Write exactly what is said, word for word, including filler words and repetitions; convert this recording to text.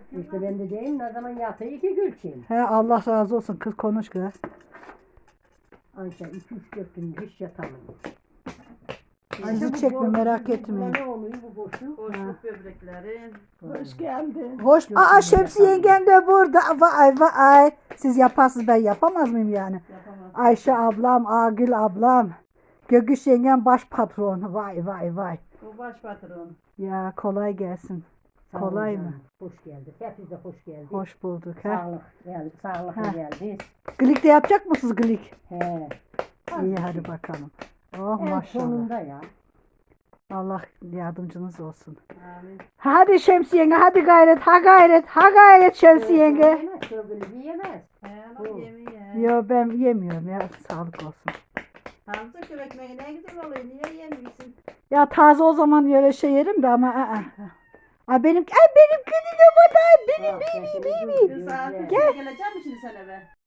İşte ben de diyeyim ne zaman yatıyor iki gülçin. He Allah razı olsun kız konuş kız. Ayşe iki üç dört gün hiç yatamıyor. Sizi bu çekme boş- merak bu- etmeyin. Ne oluyor bu boşluk? Boşluk böbrekleri. Hoş geldin. Hoş. Aa Şemsi yengen de burada. Vay vay. Siz yaparsınız ben yapamaz mıyım yani? Yapamaz. Ayşe ablam, Agül ablam. Gögüş yengen baş patron. Vay vay vay. O baş patron. Ya kolay gelsin. Sağ Kolay olun mı? canım, hoş geldin. Hepiniz de hoş geldiniz. Hoş bulduk. He. Sağlık geldik, sağlıkla He. geldiniz. Glik de yapacak mısınız glik? He. İyi hadi bakalım. Oh En maşallah. sonunda ya. Allah yardımcınız olsun. Amin. Hadi Şemsi yenge hadi gayret ha gayret ha gayret Şemsi yenge. Yiyemez, sövgülü yiyemez. He Bu. lan yemeği. Yo ben yemiyorum ya sağlık olsun. Hamza köy ekmeği ne güzel oluyor. Niye yemiyorsun? Ya taze o zaman öyle şey yerim de ama aa. Aa benim ay benim gülüm burada benim Bak, benim sesini benim. duyuyor, Bir saat güzel. gel. Geleceğim mi şimdi sen eve?